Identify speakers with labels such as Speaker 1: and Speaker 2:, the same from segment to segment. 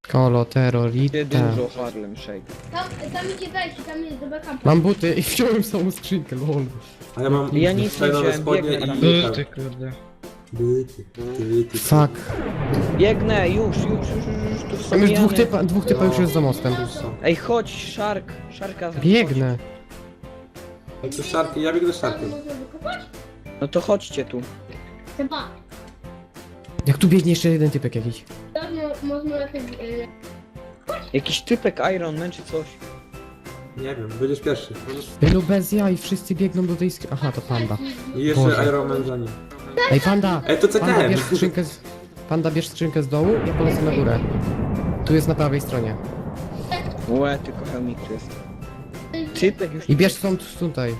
Speaker 1: Kolo,
Speaker 2: Ty
Speaker 1: terrorita.
Speaker 2: dużo Harlem Shake.
Speaker 3: Tam idzie wejście, tam jest do backupu.
Speaker 1: Mam buty i wziąłem samą skrzynkę, lol.
Speaker 4: A ja mam
Speaker 2: Ja nic nie
Speaker 4: fajnowe
Speaker 2: wziąłem,
Speaker 4: spodnie
Speaker 2: biegnę tam.
Speaker 4: i...
Speaker 2: Ty kurde.
Speaker 4: Buty.
Speaker 1: Fuck.
Speaker 2: Biegnę, już, tu są
Speaker 1: Tam już
Speaker 2: jany.
Speaker 1: dwóch typa już jest za mostem.
Speaker 2: Ej, chodź, Szarka.
Speaker 1: Biegnę.
Speaker 4: Jak to szarki, ja biegnę szarkiem.
Speaker 3: Można wykopać?
Speaker 2: No to chodźcie tu.
Speaker 3: Chyba.
Speaker 1: Jak tu biegnie jeszcze jeden typek jakiś.
Speaker 3: Tak, można jakoś...
Speaker 2: Jakiś typek Iron Man czy coś.
Speaker 4: Nie wiem, będziesz pierwszy.
Speaker 1: Wielu bez jaj, wszyscy biegną do tej skrzynki. Aha, to panda.
Speaker 4: I jeszcze
Speaker 1: Boże.
Speaker 4: Iron Man za nim.
Speaker 1: Ej, panda!
Speaker 4: Ej, to
Speaker 1: Panda,
Speaker 4: CTM!
Speaker 1: bierz skrzynkę z... Panda, bierz skrzynkę z dołu, ja polecę na górę. Tu jest na prawej stronie.
Speaker 2: Łe, tylko chemik tu jest. Typek już.
Speaker 1: I bierz stąd tutaj.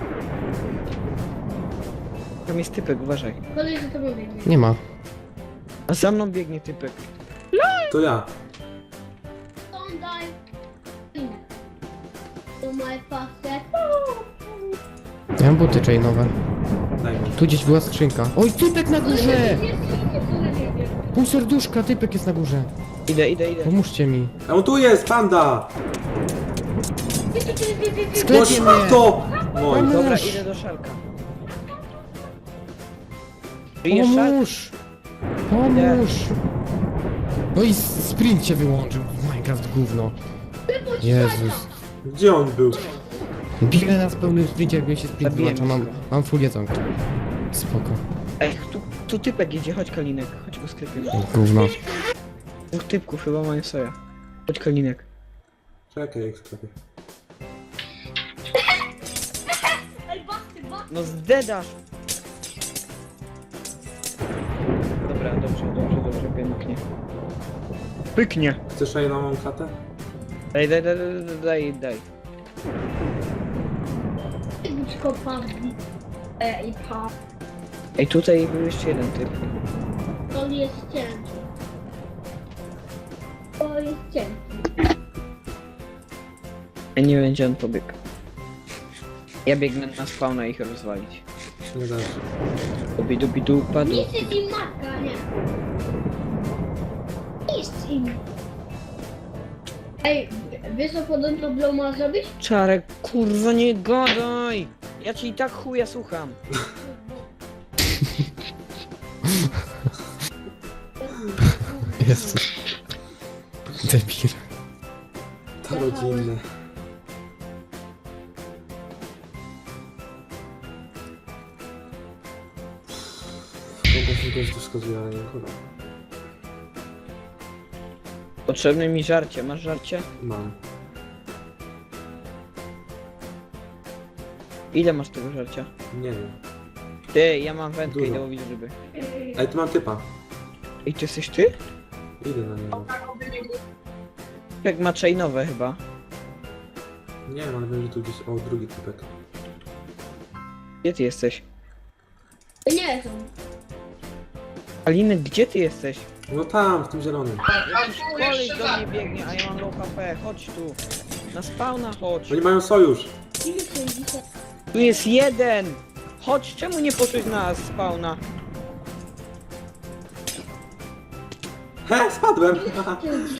Speaker 2: Tam jest typek, uważaj.
Speaker 3: Kolej za tobą biegnie.
Speaker 1: Nie ma.
Speaker 2: A za mną biegnie typek.
Speaker 4: To ja.
Speaker 3: Don't die. To my fastest.
Speaker 1: Ja mam buty chainowe.
Speaker 4: Daj mi.
Speaker 1: Tu gdzieś była skrzynka. Oj, typek na górze!
Speaker 3: Nie,
Speaker 1: Pół serduszka, typek jest na górze.
Speaker 2: Idę.
Speaker 1: Pomóżcie mi.
Speaker 4: A on tu jest, panda!
Speaker 1: Sklepie
Speaker 4: Boż,
Speaker 1: mnie!
Speaker 4: to! Mój.
Speaker 2: Dobra, idę do Szarka. Żyjesz, Szark?
Speaker 1: Pomóż! Pomóż! No i sprint się wyłączył. Minecraft gówno. Jezus.
Speaker 4: Gdzie on był?
Speaker 1: Biegnę na pełnym sprincie, jak mi się sprint
Speaker 2: Zabiłem
Speaker 1: wyłącza. Mam,
Speaker 2: go.
Speaker 1: mam full jedzonko. Spoko.
Speaker 2: Ej, tu typek jedzie, chodź Kalinek, chodź go sklepiemy.
Speaker 1: Gówno.
Speaker 2: Dwóch typków chyba mają soja. Chodź Kalinek.
Speaker 4: Czekaj, jak sklepie.
Speaker 2: No zdedasz! Dobra, dobrze, pięknie. Pyknie!
Speaker 4: Chcesz najnową klatę?
Speaker 2: Daj.
Speaker 3: I pa.
Speaker 2: Ej, tutaj był jeszcze jeden typ.
Speaker 3: To jest ciężki. To jest ciężki.
Speaker 2: Ej, nie będzie on pobiegł. Ja biegnę na spawna ich rozwalić.
Speaker 4: Nie dasz.
Speaker 2: Dubidu padł.
Speaker 3: Nic jest im matka, nie. Nic im. Ej, wiesz co podobno Blow ma zrobić?
Speaker 2: Czarek, kurwa nie gadaj! Ja ci i tak chuja słucham.
Speaker 1: Jezus. Debil.
Speaker 4: To rodzinne. Mogę się kogoś tu wskazuje, ale nie chyba.
Speaker 2: Potrzebne mi żarcie, masz żarcie?
Speaker 4: Mam.
Speaker 2: Ile masz tego żarcia?
Speaker 4: Nie wiem.
Speaker 2: Ty, ja mam wędkę,
Speaker 4: Dużo.
Speaker 2: idę łowić ryby.
Speaker 4: Ej, tu mam typa.
Speaker 2: Ej, to jesteś ty?
Speaker 4: Idę na niego.
Speaker 2: Jak ma chainowe chyba.
Speaker 4: Nie wiem, ale wiem, że tu gdzieś... O, drugi typek.
Speaker 2: Gdzie ty jesteś?
Speaker 3: Nie są.
Speaker 2: Alinek, gdzie ty jesteś?
Speaker 4: No tam, w tym zielonym.
Speaker 2: Jakiś koleś do mnie biegnie, a ja mam low HP, chodź tu. Na spawna chodź.
Speaker 4: Oni mają sojusz.
Speaker 3: Ile są dzisiaj?
Speaker 2: Tu jest jeden! Chodź, czemu nie poszłeś na spawna?
Speaker 4: He, spadłem!